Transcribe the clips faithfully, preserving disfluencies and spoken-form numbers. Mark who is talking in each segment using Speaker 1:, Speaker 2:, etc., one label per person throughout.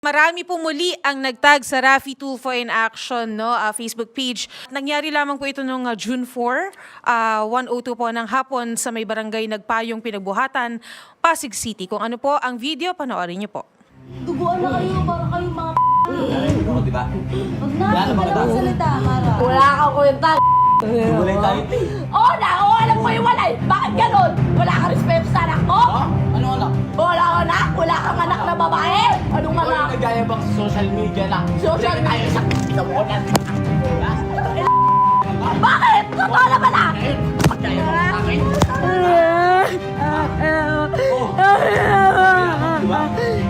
Speaker 1: Marami po muli ang nagtag sa Raffy Tulfo in Action no, ah, Facebook page. Nangyari lamang po ito noong ah, June four, ah, one oh two po ng hapon sa may barangay Nagpayong Pinagbuhatan, Pasig City. Kung ano po ang video, panoorin niyo po.
Speaker 2: Duguan na kayo para kayo mga
Speaker 3: Ano, di ba?
Speaker 2: Huwag na, hindi ka lang salita, Mara.
Speaker 4: Wala kang kwenta.
Speaker 3: Wala tayo.
Speaker 4: Oo na, oo, alam mo yung walay. Bakit ganun? Wala kang respeto sa anak ko?
Speaker 3: Ha? Ano anak?
Speaker 4: Wala kang anak? Wala kang anak na babae? Anong
Speaker 3: Ano
Speaker 4: anak?
Speaker 3: nagayabang sa social media na?
Speaker 4: Social
Speaker 3: Tayo sa sa ulan.
Speaker 4: Bakit? Totoo naman ah!
Speaker 3: Magayabang sa akin. Oh. Di ba?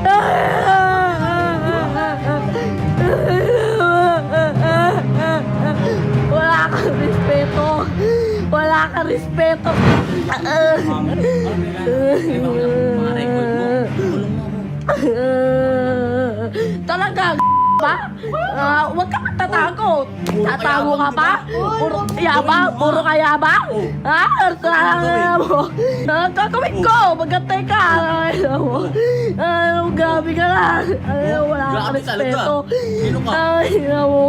Speaker 4: Wala kang respeto. Wala kang respeto.
Speaker 3: Ma'am, ano ba yan? Mga record mo. Tulong mo ako.
Speaker 4: Talaga, ba? Ah, huwag ka magtatago. Tatago ka ba? Puro yabang? Puro ka yabang? Ha? Ano mo? Ah, gagawin ko. Magantay ka. Ano mo? Ano, grabe ka na. Ano, wala kang
Speaker 3: Grabe talaga.
Speaker 4: respeto.
Speaker 3: Sino ka?
Speaker 4: Ay, ano mo?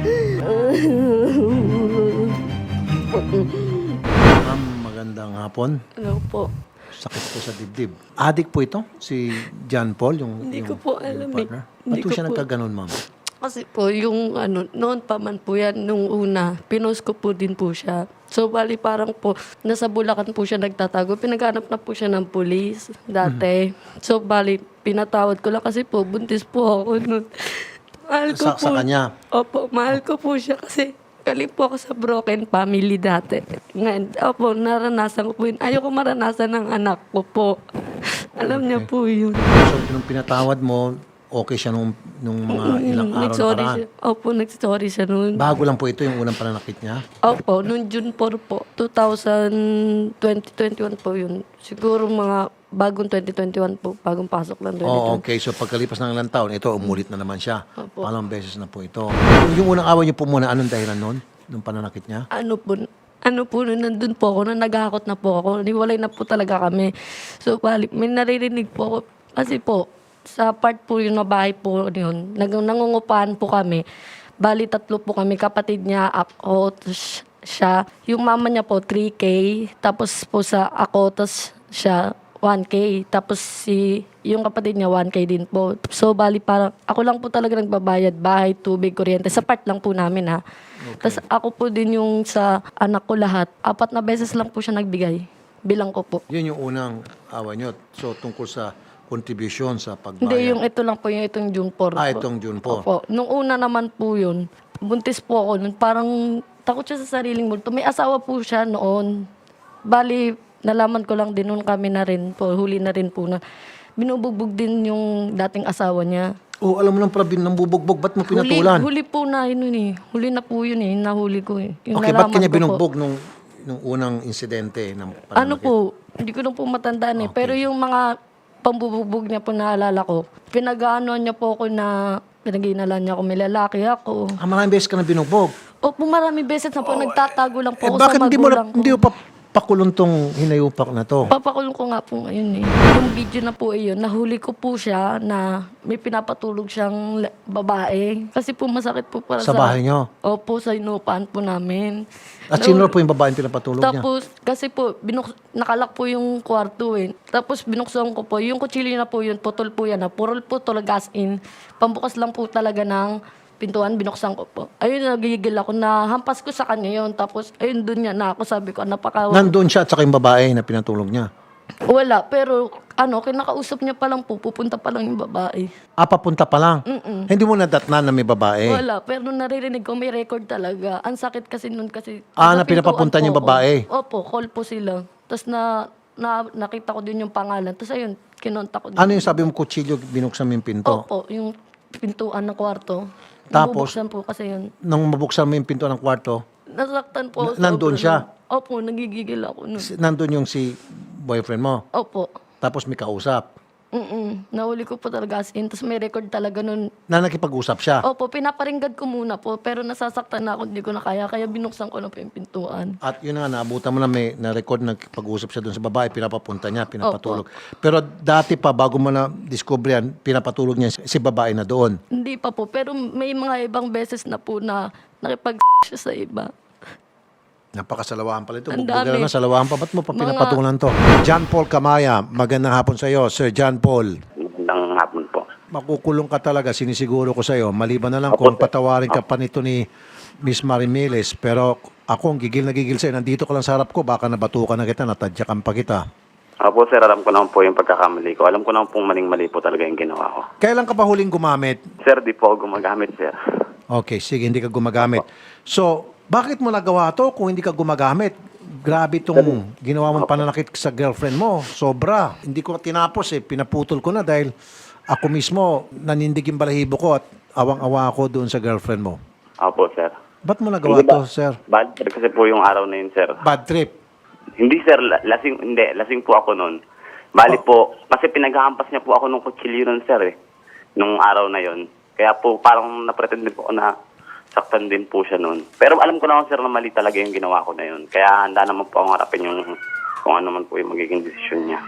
Speaker 5: Ma'am, magandang hapon.
Speaker 4: Ano po?
Speaker 5: Sakit po sa dibdib. Adik po ito, si John Paul, yung,
Speaker 4: Hindi
Speaker 5: yung,
Speaker 4: ko po alam
Speaker 5: yung
Speaker 4: eh.
Speaker 5: partner.
Speaker 4: Hindi
Speaker 5: Ba't po
Speaker 4: ko
Speaker 5: siya
Speaker 4: po-
Speaker 5: nagkaganon, ma'am?
Speaker 6: Kasi po, yung ano, noon pa man po yan, nung una, pinost ko po din po siya. So, bali parang po, nasa Bulacan po siya nagtatago. Pinaghanap na po siya ng pulis dati.
Speaker 5: Mm-hmm.
Speaker 6: So, bali, pinatawad ko lang kasi po, buntis po ako noon. Mahal ko
Speaker 5: Sa-
Speaker 6: po.
Speaker 5: sa kanya?
Speaker 6: Opo, mahal ko po siya kasi galing po ako sa broken family dati. Ngayon, opo, naranasan ko po yun. Ayoko maranasan ng anak ko po. Alam niya po yun.
Speaker 5: So, nung pinatawad mo, okay siya nung, nung mga ilang araw
Speaker 6: Nag-sorry
Speaker 5: nakaraan.
Speaker 6: siya. Opo, nag-sorry siya noon.
Speaker 5: Bago lang po ito, yung unang pananakit niya.
Speaker 6: Opo, noong June four po, two thousand twenty-one po yun. Siguro mga bagong twenty twenty-one po, bagong pasok lang twenty twenty-one.
Speaker 5: Oh, okay. So, pagkalipas ng ilang taon, ito, umulit na naman siya.
Speaker 6: Opo.
Speaker 5: Palang beses na po ito. Yung unang away niyo po muna, anong dahilan nun? Nung pananakit niya?
Speaker 6: Ano po, ano po, nung nandun po ako, nung naghahakot na po ako, niwalay na po talaga kami. So, bali, may naririnig po ako, kasi po, sa part po yung na bahay po yun, nag, nangungupahan po kami. Bali, tatlo po kami, kapatid niya, ako, tas siya. Yung mama niya po, three K. Tapos po sa ako, tas siya, one K. Tapos si, yung kapatid niya, one K din po. So, bali, parang, ako lang po talaga nagbabayad, bahay, tubig, kuryente. Sa part lang po namin, ha. Tapos ako po din yung sa anak ko lahat. Apat na beses lang po siya nagbigay. Bilang ko po.
Speaker 5: Yun yung unang away niyo. So, tungkol sa contribution sa pagbayad.
Speaker 6: Hindi, yung ito lang po, yung itong June four
Speaker 5: Ah,
Speaker 6: po.
Speaker 5: itong June four.
Speaker 6: Opo. Nung una naman po yun, buntis po ako nun. Parang takot siya sa sariling multo. May asawa po siya noon. Bali, nalaman ko lang din noon kami na rin po, huli na rin po na binubugbog din yung dating asawa niya.
Speaker 5: Oh, alam mo lang pala, nang bubugbog, ba't mo
Speaker 6: Huli,
Speaker 5: pinatulan?
Speaker 6: huli po na yun eh. Huli na po yun eh. Nahuli ko eh. Yung
Speaker 5: Okay, ba't
Speaker 6: nalaman
Speaker 5: kanya
Speaker 6: ko po.
Speaker 5: binugbog nung, nung unang insidente ng pananakit?
Speaker 6: Ano po, hindi ko lang po matandaan eh. Pero yung mga pambubugbog niya po naalala ko, pinag-ano niya po ako na pinag-iinalan niya ako, may lalaki ako.
Speaker 5: Ah, maraming beses ka na binugbog.
Speaker 6: Opo, marami beses na po, nagtatago lang po
Speaker 5: Eh,
Speaker 6: ako
Speaker 5: bakit
Speaker 6: sa
Speaker 5: hindi mo, na,
Speaker 6: magulang ko.
Speaker 5: hindi mo pa pakulong tong hinayupak na to?
Speaker 6: Papakulong ko nga po ngayon eh. Yung video na po iyon, nahuli ko po siya na may pinapatulog siyang la- babae. Kasi po masakit po para
Speaker 5: Sa
Speaker 6: sa...
Speaker 5: bahay niyo?
Speaker 6: Opo, sa inupaan po namin.
Speaker 5: At sino po yung babaeng pinapatulog niya?
Speaker 6: Tapos, kasi po, binuk nakalak po yung kwarto eh. Tapos, binuksan ko po. Yung kutsilyo na po yun, putol po yan. Na, purol putol, gas in. Pambukas lang po talaga ng pintuan, binuksan ko po. Ayun, nagigil ako na hampas ko sa kanya yun. Tapos, ayun, doon niya na ako. Sabi ko, napaka...
Speaker 5: Nandun siya at saka yung babae na pinatulog niya.
Speaker 6: Wala, pero ano, kinakausap niya pa lang po, pupunta pa lang yung babae.
Speaker 5: Ah, papunta pa lang? Hindi mo nadatnan na may babae?
Speaker 6: Wala, pero naririnig ko, may record talaga. Ang sakit kasi nun kasi...
Speaker 5: Ah, na
Speaker 6: pintuan
Speaker 5: pinapapunta
Speaker 6: po
Speaker 5: niya yung
Speaker 6: ako.
Speaker 5: babae?
Speaker 6: Opo, call po sila. Tapos na, na, nakita ko din yung pangalan. Tapos ayun, kinontak ko din.
Speaker 5: Ano yung sabi mo, kutsilyo, binuksan mo yung pinto?
Speaker 6: Opo, yung pintuan ng kwarto.
Speaker 5: Tapos?
Speaker 6: Nabubuksan po kasi yun.
Speaker 5: Nung mabuksan mo yung pinto ng kwarto,
Speaker 6: Nasaktan po. ako
Speaker 5: Na- nandun
Speaker 6: sobra
Speaker 5: siya?
Speaker 6: nun. Opo, nagigigil ako nun.
Speaker 5: si- nandun yung si boyfriend mo.
Speaker 6: Opo.
Speaker 5: Tapos may kausap.
Speaker 6: Mm Nahuli ko po talaga as in. Tapos may record talaga nun.
Speaker 5: Na nakipag-usap siya.
Speaker 6: Opo, pinaparinggad ko muna po. Pero nasasaktan na ako, hindi ko na kaya. Kaya binuksan ko na po yung pintuan.
Speaker 5: At yun nga, naabutan mo na may na-record na pag-usap siya doon sa babae, pinapapunta niya, pinapatulog. Pero dati pa, bago mo na-discover yan, pinapatulog niya si babae na doon.
Speaker 6: Hindi pa po. Pero may mga ibang beses na po na nakipag siya sa iba.
Speaker 5: Napakasalawahan pala ito.
Speaker 6: Ang
Speaker 5: Bugbugera
Speaker 6: dami.
Speaker 5: na, salawahan pa. Ba't mo pa
Speaker 6: Mga-
Speaker 5: pinapatulan to? John Paul Kamaya, magandang hapon sa iyo. Sir John Paul,
Speaker 7: Magandang hapon po.
Speaker 5: makukulong ka talaga, sinisiguro ko sa iyo. Maliban na lang
Speaker 7: Opo,
Speaker 5: kung
Speaker 7: sir.
Speaker 5: patawarin ka pa nito ni Miss Marimeles. Pero ako, gigil na gigil sa'yo. Nandito ka lang sa harap ko, baka nabatukan na kita, natadyakan pa kita.
Speaker 7: Opo sir, alam ko naman po yung pagkakamali ko. Alam ko naman pong maling-mali po talaga yung ginawa ko.
Speaker 5: Kailan ka pa huling gumamit?
Speaker 7: Sir, di po ako gumagamit, sir.
Speaker 5: Okay, sige, hindi ka gumagamit. So, bakit mo nagawa to kung hindi ka gumagamit? Grabe itong ginawa mong pananakit sa girlfriend mo. Sobra. Hindi ko tinapos eh. Pinaputol ko na dahil ako mismo nanindig yung balahibo ko at awang-awa ako doon sa girlfriend mo.
Speaker 7: Opo, sir.
Speaker 5: Ba't mo nagawa
Speaker 7: Hindi ba-
Speaker 5: to, sir?
Speaker 7: Bad trip kasi po yung araw na yun, sir.
Speaker 5: Bad trip.
Speaker 7: Hindi, sir. la- Lasing, hindi. Lasing po ako noon. Bali po, kasi pinaghahampas niya po ako nung kutsilyo nun, sir, eh. Nung araw na yun. Kaya po, parang napretend din po ako na saktan din po siya noon. Pero alam ko naman, sir, na mali talaga yung ginawa ko na yun. Kaya handa naman po akong harapin yung kung ano man po yung magiging desisyon niya.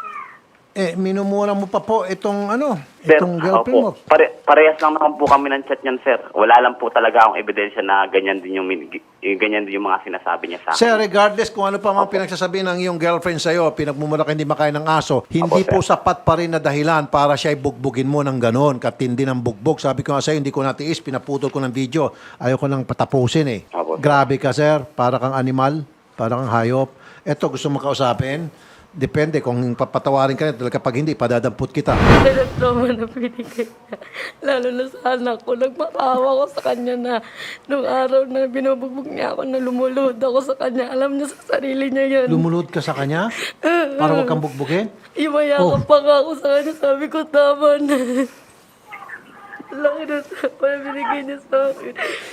Speaker 5: Eh, minumura mo pa po itong ano,
Speaker 7: Sir,
Speaker 5: itong girlfriend mo.
Speaker 7: opo. Pare, parehas lang naman po kami ng chat niyan, sir. Wala lang po talaga akong ebidensya na ganyan din yung, min- yung ganyan din yung mga sinasabi niya sa akin.
Speaker 5: Sir, regardless kung ano pa mga pinagsasabi ng iyong girlfriend sa'yo, pinagmumura ka hindi makain ng aso, hindi
Speaker 7: Opo,
Speaker 5: po
Speaker 7: sir.
Speaker 5: sapat pa rin na dahilan para siya bugbugin mo ng ganon, katindi ng bugbog. Sabi ko nga sa'yo, hindi ko natiis, pinaputol ko ng video. Ayaw ko nang patapusin eh.
Speaker 7: Opo, sir.
Speaker 5: Grabe ka, sir. Para kang animal, para kang hayop. Eto, gusto mo kausapin? Depende kung papatawarin ka na, kapag hindi, padadampot kita.
Speaker 6: Pero trauma na binigay niya. Lalo na sa anak ko. Nagmakawa ko sa kanya na nung araw na binubugbog niya ako na lumulod ako sa kanya. Alam niya sa sarili niya yan.
Speaker 5: Lumulod ka sa kanya? Para huwag kang bugbugin?
Speaker 6: Imayakap
Speaker 5: Oh.
Speaker 6: pa nga ako sa kanya. Sabi ko, tama na. Laki na trauma na binigay niya sa akin.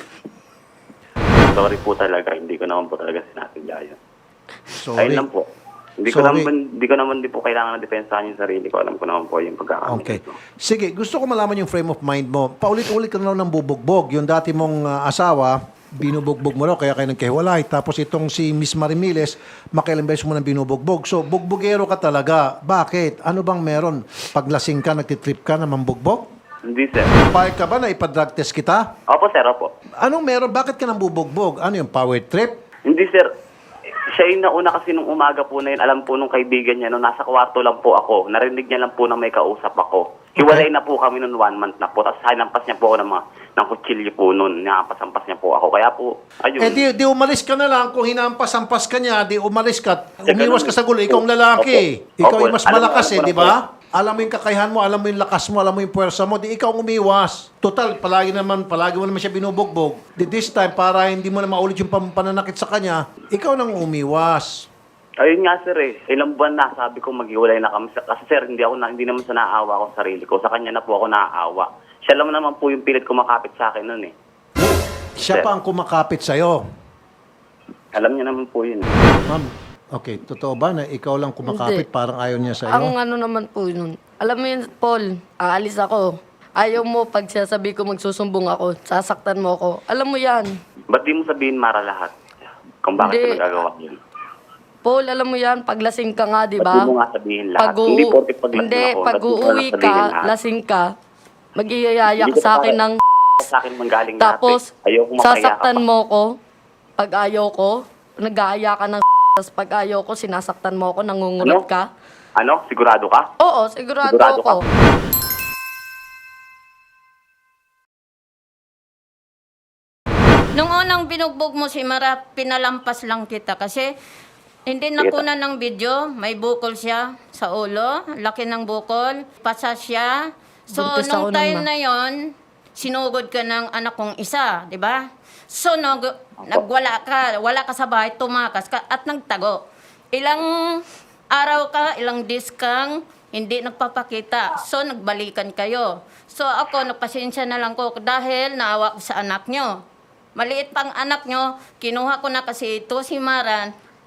Speaker 7: Sorry po talaga. Hindi ko naman po talaga sinasadya yun.
Speaker 5: Sorry.
Speaker 7: Ayun lang po. Hindi ko
Speaker 5: Sorry.
Speaker 7: naman hindi ko naman din po kailangan na depensahan yung sarili ko. Alam ko naman po yung pagkakamali
Speaker 5: Okay.
Speaker 7: ko.
Speaker 5: Sige, gusto ko malaman yung frame of mind mo. Paulit-ulit ka na lang ng bubugbog. Yung dati mong ah, asawa, binubugbog mo raw, kaya kayo nagkahiwalay. Tapos itong si Miss Marimeles, makailang beses mo nang binubugbog. So, bugbogero ka talaga. Bakit? Ano bang meron? Paglasing ka, nagtitrip ka na mambugbog?
Speaker 7: Hindi, sir.
Speaker 5: Payag ka ba na ipadrag test kita?
Speaker 7: Opo, sir. Opo.
Speaker 5: Anong meron? Bakit ka nang bubugbog? Ano yung power trip?
Speaker 7: Hindi, sir. Siya yung nauna kasi nung umaga po na yun. Alam po nung kaibigan niya, nung nasa kwarto lang po ako, narinig niya lang po na may kausap ako. Hiwalay na po kami nung one month na po. Tapos hinampas niya po ako ng, mga, ng kutsilyo po noon. Hinampas-ampas niya po ako. Kaya po, ayun.
Speaker 5: Eh di, di umalis ka na lang. Kung hinampas-ampas ka niya, di umalis ka.
Speaker 7: Eh,
Speaker 5: Umiwas
Speaker 7: ganun
Speaker 5: ka sa gulo. Ikaw ang
Speaker 7: Opo.
Speaker 5: lalaki. Ikaw
Speaker 7: Opo.
Speaker 5: yung mas
Speaker 7: Alam mo,
Speaker 5: malakas
Speaker 7: alam
Speaker 5: eh,
Speaker 7: ko
Speaker 5: di
Speaker 7: na
Speaker 5: ba? Alam mo yung kakayahan mo, alam mo yung lakas mo, alam mo yung puwersa mo, di ikaw ang umiwas. Total, palagi naman, palagi mo naman siya binubugbog. Di this time, para hindi mo na maulit yung pam- pananakit sa kanya, ikaw nang umiwas.
Speaker 7: Ayun nga, sir eh. Ilang buwan na, sabi ko maghiwalay na kami. Kasi sir, hindi, ako na, hindi naman sa naawa ko sa sarili ko. Sa kanya na po ako naaawa. Siya lang naman po yung pilit kumakapit sa akin noon eh.
Speaker 5: Siya
Speaker 7: Sir.
Speaker 5: pa ang kumakapit sa'yo.
Speaker 7: Alam niya naman po yun.
Speaker 5: Ma'am, okay, totoo ba na ikaw lang kumakapit,
Speaker 6: Hindi.
Speaker 5: parang ayaw niya sa'yo?
Speaker 6: Ang ano naman po yun. Alam mo yun, Paul, aalis ako. Ayaw mo pag sasabi ko magsusumbong ako, sasaktan mo ako. Alam mo yan.
Speaker 7: Ba't di mo sabihin Mara lahat? Kung bakit
Speaker 6: Hindi.
Speaker 7: ko nagagawa yun?
Speaker 6: Paul, alam mo yan, paglasing ka nga, di
Speaker 7: Ba't
Speaker 6: ba?
Speaker 7: di mo nga sabihin lahat?
Speaker 6: Pag-u-
Speaker 7: Hindi porke paglasing
Speaker 6: Hindi,
Speaker 7: ako.
Speaker 6: pag
Speaker 7: ba't di mo
Speaker 6: uuwi
Speaker 7: lang
Speaker 6: ka,
Speaker 7: sabihin lahat?
Speaker 6: lasing ka, mag-iyayak
Speaker 7: Hindi ko
Speaker 6: sa akin
Speaker 7: pa-
Speaker 6: ng
Speaker 7: Sa akin manggaling
Speaker 6: tapos,
Speaker 7: lahat eh. Ayoko mapaya ka
Speaker 6: sasaktan
Speaker 7: pa.
Speaker 6: mo ko. Pag ayaw ko, nag-aaya ka ng tapos pag ayaw ko, sinasaktan mo ako, nangungulat
Speaker 7: Ano?
Speaker 6: ka.
Speaker 7: Ano? Sigurado ka?
Speaker 6: Oo, sigurado,
Speaker 7: Sigurado
Speaker 6: ako.
Speaker 7: ka?
Speaker 8: Nung unang binugbog mo si Mara, pinalampas lang kita kasi hindi nakunan ng video. May bukol siya sa ulo, laki ng bukol, pasa siya. So,
Speaker 6: Buntis ako
Speaker 8: nung
Speaker 6: nun,
Speaker 8: time
Speaker 6: ma.
Speaker 8: na yon, sinugod ka ng anak kong isa, di ba? So, nag, nagwala ka, wala ka sa bahay, tumakas ka at nagtago. Ilang araw ka, ilang days kang hindi nagpapakita. So, nagbalikan kayo. So, ako, nagpasensya na lang ko dahil naawa ko sa anak nyo. Maliit pang anak nyo, kinuha ko na kasi ito si Maran,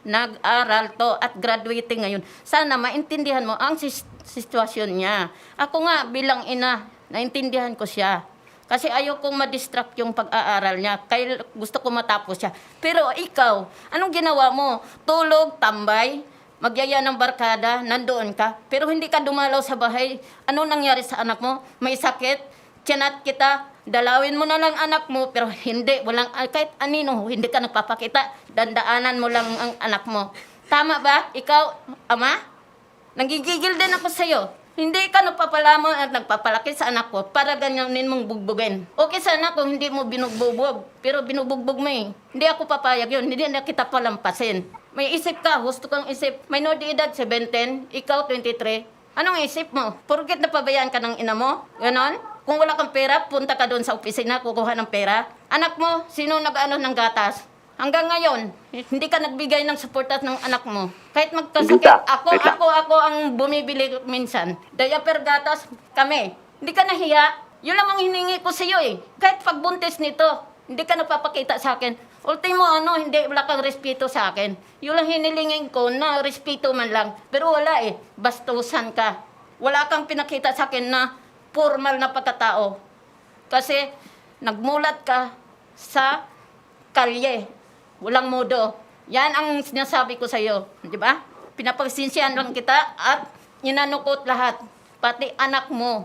Speaker 8: nag-aral to at graduating ngayon. Sana maintindihan mo ang sis- sitwasyon niya. Ako nga bilang ina, naintindihan ko siya. Kasi ayaw kong ma-distract yung pag-aaral niya. Kaya gusto ko matapos siya. Pero ikaw, anong ginawa mo? Tulog, tambay, magyaya ng barkada, nandoon ka. Pero hindi ka dumalaw sa bahay. Ano nangyari sa anak mo? May sakit? Tiyanat kita, dalawin mo na lang anak mo, pero hindi, walang, kahit anino, hindi ka nagpapakita, dandaanan mo lang ang anak mo. Tama ba? Ikaw, ama? Nagigigil din ako sa'yo. Hindi ka nagpapalamon at nagpapalaki sa anak ko para ganyanin mong bugbugin. Okay sana kung hindi mo binugbubog, pero binubugbog mo eh. Hindi ako papayag yun, hindi na kita palampasin. May isip ka, gusto kang isip. May no di edad, seventeen, ikaw twenty-three. Anong isip mo? Porket napabayaan ka ng ina mo? Ganon? Kung wala kang pera, punta ka doon sa opisina, kukuha ng pera. Anak mo, sino nag-ano ng gatas? Hanggang ngayon, hindi ka nagbigay ng suportat ng anak mo. Kahit magkasakit,
Speaker 7: Dita,
Speaker 8: ako,
Speaker 7: wait lang.
Speaker 8: ako, ako ang bumibili minsan. Diaper gatas, kami. Hindi ka nahiya. Yun lang ang hiningi ko sa iyo eh. Kahit pagbuntis nito, hindi ka nagpapakita sa akin. Ultimo ano, hindi, wala kang respeto sa akin. Yun lang hinilingin ko na respeto man lang. Pero wala eh, bastusan ka. Wala kang pinakita sa akin na formal na pagkatao. Kasi nagmulat ka sa kalye. Walang modo. Yan ang sinasabi ko sa iyo, di ba? Pinapagsinsiyan lang kita at inanukot lahat. Pati anak mo.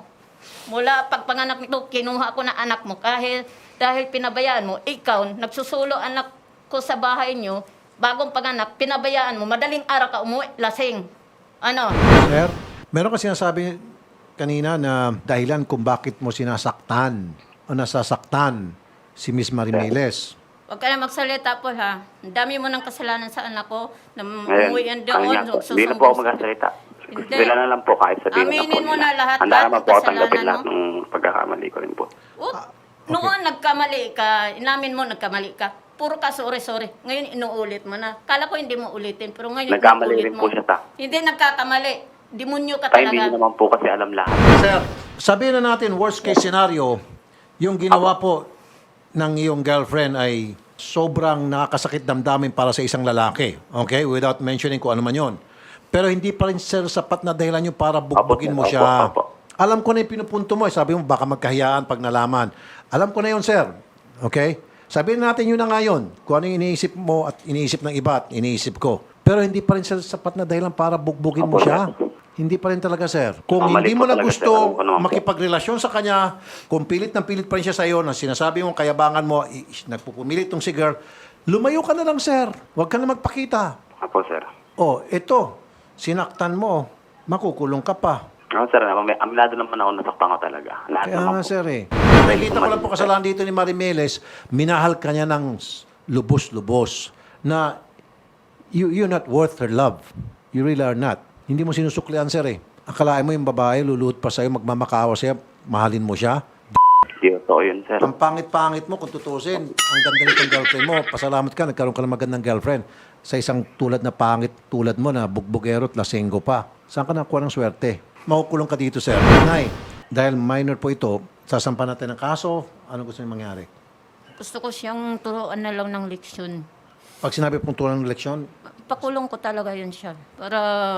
Speaker 8: Mula pagpanganak nito, kinuha ko na anak mo. Kahit dahil pinabayaan mo, ikaw, nagsusulo anak ko sa bahay nyo, bagong panganak, pinabayaan mo, madaling araw ka umuwi, lasing. Ano?
Speaker 5: Sir, meron kasi sinasabi kanina na dahilan kung bakit mo sinasaktan o nasasaktan si Miss Marimeles.
Speaker 8: Huwag ka na magsalita po ha. Ang dami mo ng kasalanan sa anak ko. Na
Speaker 7: Ngayon,
Speaker 8: umuwi yan
Speaker 7: ano
Speaker 8: doon.
Speaker 7: niya po, hindi na po ako magkasalita.
Speaker 8: Hindi.
Speaker 7: Bila na lang po kahit sabihin
Speaker 8: Aminin
Speaker 7: na po
Speaker 8: mo
Speaker 7: nila.
Speaker 8: na lahat,
Speaker 7: Handa
Speaker 8: lahat
Speaker 7: naman
Speaker 8: ng
Speaker 7: po ako tanggapin
Speaker 8: kasalanan
Speaker 7: lahat
Speaker 8: mo.
Speaker 7: ng pagkakamali ko rin po.
Speaker 8: Oh, Noon nagkamali ka, inamin mo nagkamali ka. Puro ka sorry-sorry. Ngayon inuulit mo na. Kala ko hindi mo ulitin, pero ngayon
Speaker 7: Nagkamali
Speaker 8: inuulit
Speaker 7: rin
Speaker 8: mo.
Speaker 7: po siya, ta.
Speaker 8: Hindi nagkakamali. Demonyo ka
Speaker 7: Tayo hindi
Speaker 8: talaga.
Speaker 7: naman po kasi alam lahat.
Speaker 5: Sir, sabihin na natin worst case scenario, yung ginawa po ng iyong girlfriend ay sobrang nakakasakit damdamin para sa isang lalaki. Okay? Without mentioning kung ano man yun. Pero hindi pa rin, sir, sapat na dahilan yun para bugbugin mo
Speaker 7: Opo,
Speaker 5: siya.
Speaker 7: opo, opo.
Speaker 5: Alam ko na yung pinupunto mo. eh. Sabi mo, baka magkahiyaan pag nalaman. Alam ko na yun, sir. Okay? Sabihin natin yun na ngayon. Kung ano yung iniisip mo at iniisip ng iba at iniisip ko. Pero hindi pa rin, sir, sapat na dahilan para bugbugin mo
Speaker 7: Opo,
Speaker 5: siya. Hindi pa rin talaga, sir. Kung
Speaker 7: Mali
Speaker 5: hindi
Speaker 7: po
Speaker 5: mo na
Speaker 7: talaga,
Speaker 5: gusto
Speaker 7: sir. Alam ko naman po.
Speaker 5: makipagrelasyon sa kanya, kung pilit ng pilit pa rin siya sa iyo, na sinasabi mo, kayabangan mo, i- nagpupumilit tong si girl, lumayo ka na lang, sir. Huwag ka na magpakita.
Speaker 7: Apo, sir.
Speaker 5: Oh, ito, sinaktan mo, makukulong ka pa.
Speaker 7: Ano, sir, may amilado naman ako nasaktan ko talaga. Lahat
Speaker 5: Kaya
Speaker 7: naman
Speaker 5: nga,
Speaker 7: po.
Speaker 5: sir, eh. Nakikita ko lang po kasalanan dito ni Marimeles, minahal ka niya ng s- lubos-lubos na you, you're not worth her love. You really are not. Hindi mo sinusuklian, sir, eh. Akalain mo yung babae, luluhod pa sa'yo, magmamakawa sa'yo, mahalin mo siya.
Speaker 7: Hindi, totoo yun, sir.
Speaker 5: Ang pangit-pangit mo, kung tutusin, ang ganda nitong girlfriend mo, pasalamat ka, nagkaroon ka ng magandang girlfriend. Sa isang tulad na pangit tulad mo na bugbugero at lasenggo pa. Saan ka nakuha ng swerte? Makukulong ka dito, sir. Nay, dahil minor po ito, sasampan natin ng kaso, ano gusto niyo mangyari?
Speaker 8: Gusto ko siyang turuan na lang ng leksyon.
Speaker 5: Pag sinabi pong tulad ng leksyon,
Speaker 8: Pakulong ko talaga yun siya. Para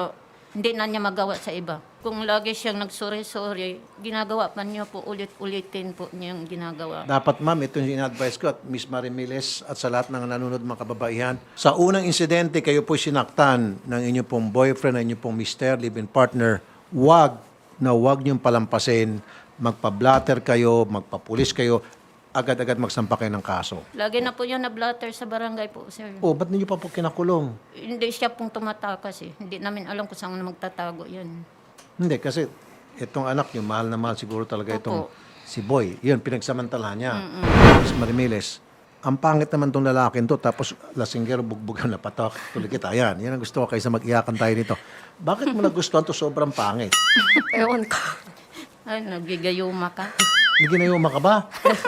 Speaker 8: hindi na niya magawa sa iba. Kung lagi siyang nagsorry-sorry, ginagawa pa niya po, ulit-ulitin po niyang ginagawa.
Speaker 5: dapat ma'am, ito yung in-advise ko at Miss Marimeles at sa lahat ng nanonood mga kababaihan. Sa unang insidente, kayo po sinaktan ng inyong pong boyfriend, ng inyong pong mister, live-in partner, wag na wag niyong palampasin, magpa-blatter kayo, magpapulis kayo, agad-agad magsampa kayo ng kaso.
Speaker 8: Lagi na po niya na-blatter sa barangay po, sir.
Speaker 5: Oh, ba't ninyo pa po kinakulong?
Speaker 8: Hindi siya pong tumatakas eh. Hindi namin alam kung saan magtatago yan.
Speaker 5: Hindi, kasi itong anak niyo, mahal na mahal siguro talaga itong
Speaker 8: Opo.
Speaker 5: si Boy. Yun, pinagsamantalahan niya. Miss Marimeles, ang pangit naman tong lalaking to, tapos lasinggero, bugbog na patok, tuloy kita. Yan, yan ang gusto ko kaysa mag-iyakan tayo dito. Bakit mo nagustuhan to sobrang pangit?
Speaker 6: Ewan ko.
Speaker 8: Ay, nagigayuma ka.
Speaker 5: May ginayuma ka ba?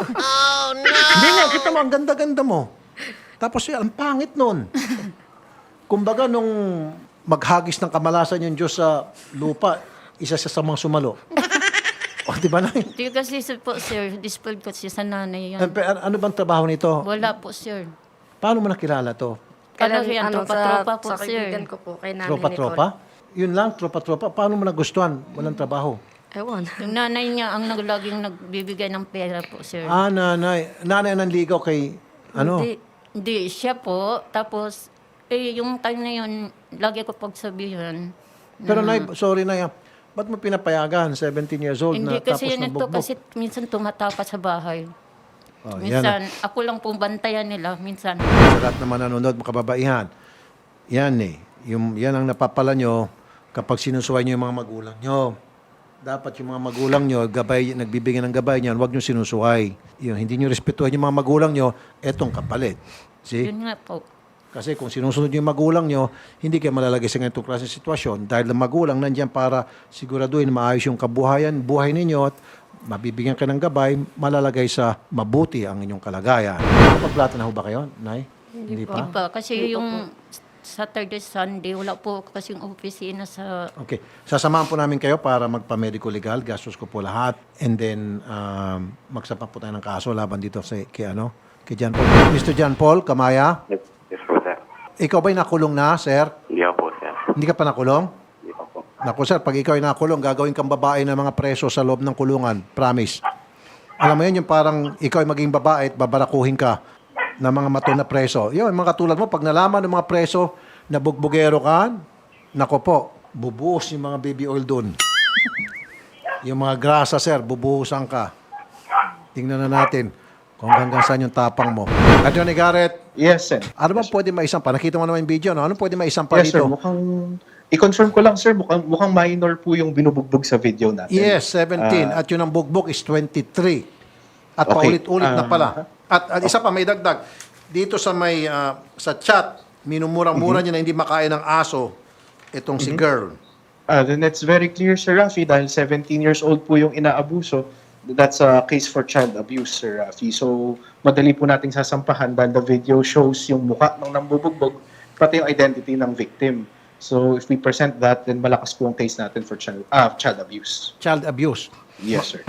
Speaker 5: Oh, no! Hindi nga, kita mo, ang ganda-ganda mo. Tapos yan, ang pangit nun. Kumbaga, nung maghagis ng kamalasan yung Diyos sa lupa, isa siya sa mga sumalo. O, di ba na?
Speaker 8: Hindi kasi sir, po, sir, dispelled kasi sa nanay yan.
Speaker 5: Ano bang trabaho nito?
Speaker 8: Wala po, sir.
Speaker 5: Paano mo nakilala to?
Speaker 8: Ano yan,
Speaker 6: ano,
Speaker 8: tropa-tropa
Speaker 6: sa,
Speaker 8: po,
Speaker 6: sa
Speaker 8: sir.
Speaker 6: kaibigan ko po, kay Nanay
Speaker 5: Tropa-tropa? Yun lang, tropa-tropa. Paano mo nagustuhan? Walang trabaho.
Speaker 6: Nicole. Ewan.
Speaker 8: Yung nanay niya ang naglaging nagbibigay ng pera po, sir.
Speaker 5: Ah, nanay. Nanay ang nanligaw kay, ano?
Speaker 6: Hindi.
Speaker 8: Hindi, siya po. Tapos, eh, yung time na yun, lagi ko pagsabihan.
Speaker 5: Pero nay, sorry nay, ah. Ba't mo pinapayagan? seventeen years old
Speaker 8: Hindi
Speaker 5: na tapos
Speaker 8: kasi yan ito,
Speaker 5: nabugbog.
Speaker 8: kasi minsan tumatakas sa bahay.
Speaker 5: Oh, yan.
Speaker 8: Minsan, ako lang pong bantayan nila, minsan.
Speaker 5: Sa lahat naman nanonood, mga kababaihan, yan eh. Yung, yan ang napapala nyo kapag sinusuway nyo yung mga magulang nyo. Dapat yung mga magulang nyo, gabay, nagbibigay ng gabay niyan, huwag nyo sinusuway. Yung hindi nyo respetuhan yung mga magulang nyo, etong kapalit. See?
Speaker 8: Yun nga po.
Speaker 5: Kasi kung sinusunod nyo yung magulang nyo, hindi kayo malalagay sa ganitong klase ng sitwasyon dahil ang magulang nandiyan para siguraduhin maayos yung kabuhayan, buhay ninyo at mabibigyan kayo ng gabay, malalagay sa mabuti ang inyong kalagayan. Pagplata na ho ba kayo, Nay? Hindi
Speaker 8: Di pa, kasi yung Saturday, Sunday, wala po kasi yung opisina sa...
Speaker 5: Okay. Sasamahan po namin kayo para magpa-medical legal. Gastos ko po lahat. And then, um, magsapak po tayo ng kaso laban dito sa, kay, ano, kay John Paul. Mister John Paul, Kamaya,
Speaker 7: Yes, yes po, sir.
Speaker 5: ikaw ba'y nakulong na, sir?
Speaker 7: Hindi ako po, sir.
Speaker 5: Hindi ka pa nakulong?
Speaker 7: Hindi ako po.
Speaker 5: Naku, sir, pag ikaw ay nakulong, gagawin kang babae ng mga preso sa loob ng kulungan. Promise. Alam mo yun, yung parang ikaw ay maging babae at babarakuhin ka ng mga matong na preso. Yun, mga katulad mo, pag nalaman ng mga preso na bugbugero ka, nako po, bubuhos yung mga baby oil doon. Yung mga grasa, sir, bubuhusan ka. Tingnan na natin kung hanggang saan yung tapang mo. Attorney Garrett,
Speaker 9: Yes, sir.
Speaker 5: ano ba pwede maisampa? Nakita mo naman yung video, no? Ano pwede maisampa
Speaker 9: Yes, sir.
Speaker 5: dito?
Speaker 9: Mukhang, i-confirm ko lang, sir, mukhang, mukhang minor po yung binubugbog sa video natin.
Speaker 5: Yes, seventeen.
Speaker 9: Ah,
Speaker 5: at yun ang bugbog is twenty-three. At
Speaker 9: Okay.
Speaker 5: paulit-ulit na
Speaker 9: Ah,
Speaker 5: pala. At, at isa pa, may dagdag. Dito sa may ah, sa chat, minumura-mura
Speaker 9: Mm-hmm.
Speaker 5: niya na hindi makain ng aso itong si girl.
Speaker 9: ah, then it's very clear, Sir Rafi, dahil seventeen years old po yung inaabuso. That's a case for child abuse, Sir Rafi. So, madali po nating sasampahan dahil the video shows yung mukha ng nambubugbog, pati yung identity ng victim. So, if we present that, then malakas po ang case natin for child, ah, child abuse.
Speaker 5: Child abuse.
Speaker 9: Yes, sir.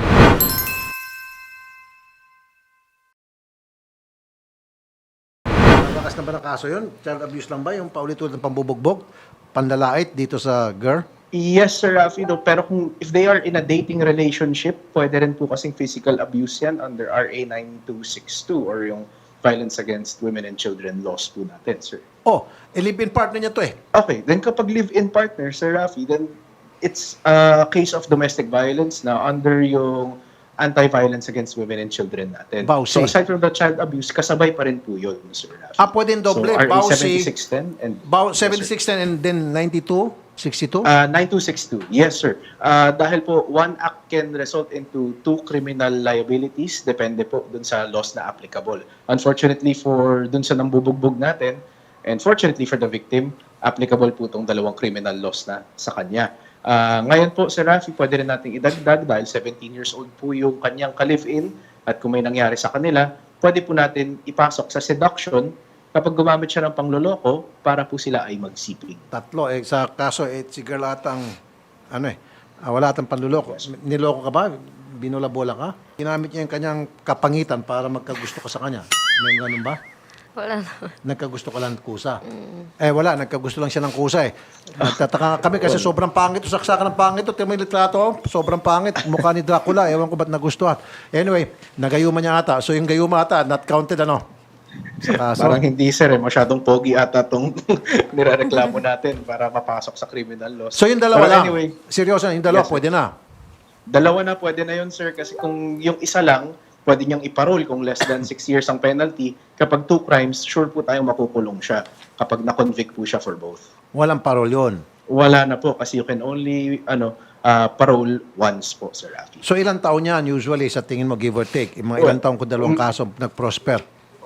Speaker 5: Malakas na ba ng kaso yun? Child abuse lang ba? Yung paulit-ulit ng pambubugbog? Panlalait dito sa girl?
Speaker 9: Yes, Sir Rafi, no, pero kung if they are in a dating relationship, pwede rin po kasing physical abuse yan under R A nine two six two or yung Violence Against Women and Children laws po natin, sir.
Speaker 5: Oh, eh, live-in partner niya to eh.
Speaker 9: Okay, then kapag live-in partner, Sir Rafi, then it's a case of domestic violence na under yung Anti-Violence Against Women and Children natin.
Speaker 5: Bawsi.
Speaker 9: So aside from the child abuse, kasabay pa rin po yun, Sir Rafi.
Speaker 5: Ah, pwedeng doble.
Speaker 9: So R A
Speaker 5: Bawsi.
Speaker 9: seventy-six ten and...
Speaker 5: About
Speaker 9: Yes, sir.
Speaker 5: seventy-six ten and then ninety-two? sixty-two?
Speaker 9: Uh, nine two six two. Yes, sir. Uh, dahil po, one act can result into two criminal liabilities. Depende po dun sa laws na applicable. Unfortunately for dun sa nambubugbog natin, and fortunately for the victim, applicable po itong dalawang criminal laws na sa kanya. Uh, ngayon po, Sir Rafi, pwede rin nating idagdag dahil seventeen years old po yung kanyang ka-live-in at kung may nangyari sa kanila, pwede po natin ipasok sa seduction kapag gumamit siya ng pangloloko para po sila ay magsiping.
Speaker 5: Tatlo. Eh, sa kaso, eh, si girl atang, ano eh, ah, wala atang panluloko. Niloko ka ba? Binula-bola ka? Ginamit niya yung kanyang kapangitan para magkagusto ka sa kanya. May ganun ba?
Speaker 6: Wala naman.
Speaker 5: Nagkagusto ka lang ng kusa. Eh, wala. Nagkagusto lang siya ng kusa eh. Nagtataka kami kasi sobrang pangit. Saksakan ng pangit. Ito, may litrato. oh. Sobrang pangit. Mukha ni Dracula. Ewan ko ba't nagustuhan. Anyway, nagayuma niya ata. So yung gayuma ata, not counted ano? Sa kaso.
Speaker 9: Parang hindi, sir. Eh. Masyadong pogi ata itong nirereklamo natin para mapasok sa criminal laws.
Speaker 5: So yung dalawa
Speaker 9: Pero
Speaker 5: lang.
Speaker 9: anyway,
Speaker 5: Seryoso, yung dalawa
Speaker 9: Yes, sir.
Speaker 5: pwede na.
Speaker 9: dalawa na pwede na yun, sir. Kasi kung yung isa lang, pwede niyang iparol kung less than six years ang penalty. Kapag two crimes, sure po tayong makukulong siya kapag na-convict po siya for both.
Speaker 5: Walang parol yun.
Speaker 9: Wala na po kasi you can only ano uh, parole once po, Sir Rafi.
Speaker 5: So ilang taon yan usually sa tingin mo give or take? Yung mga ilang taon kung dalawang kaso nag-prosper?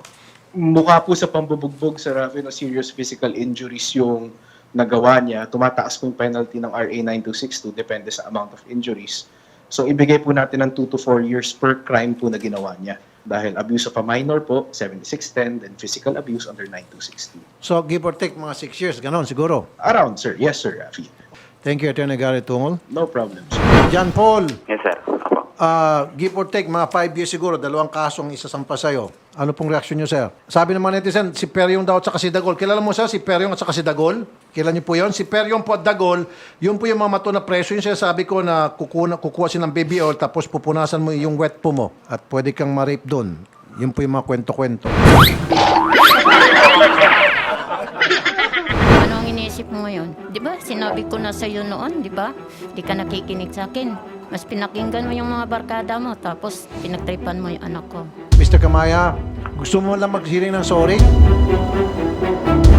Speaker 9: Mukha po sa pambubugbog, Sir Rafi, no, serious physical injuries yung nagawa niya. Tumataas po yung penalty ng R A nine two six two, depende sa amount of injuries. So, ibigay po natin ng two to four years per crime po na ginawa niya. Dahil abuse of a minor po, seventy-six ten, then physical abuse under nine two six two.
Speaker 5: So give or take mga six years, ganon siguro.
Speaker 9: Around, sir. Yes, sir, Rafi.
Speaker 5: Thank you, Attorney Gary Tungol.
Speaker 9: No problem, sir.
Speaker 5: John Paul,
Speaker 7: Yes, sir. Apo.
Speaker 5: ah, give or take, mga five years siguro, dalawang kasong isasampa sa'yo. Ano pong reaksyon nyo, sir? Sabi ng mga netizen, si Peryong daw at saka si Dagol. Kilala mo, sir, si Peryong at saka si Dagol? Kilala niyo po yun? Si Peryong po at Dagol, yun po yung mga mato na preso. Yung sinasabi ko na kukuha, kukuha siya ng baby oil tapos pupunasan mo yung wet po mo at pwede kang ma-rape doon. Yun po yung mga kwento-kwento.
Speaker 8: Ano ang iniisip mo ngayon? Di ba? Sinabi ko na sa'yo noon, di ba? Di ka nakikinig sa akin. Mas pinakinggan mo yung mga barkada mo, tapos pinagtripan mo yung anak ko.
Speaker 5: mister Kamaya, gusto mo lang maghiring ng sorry?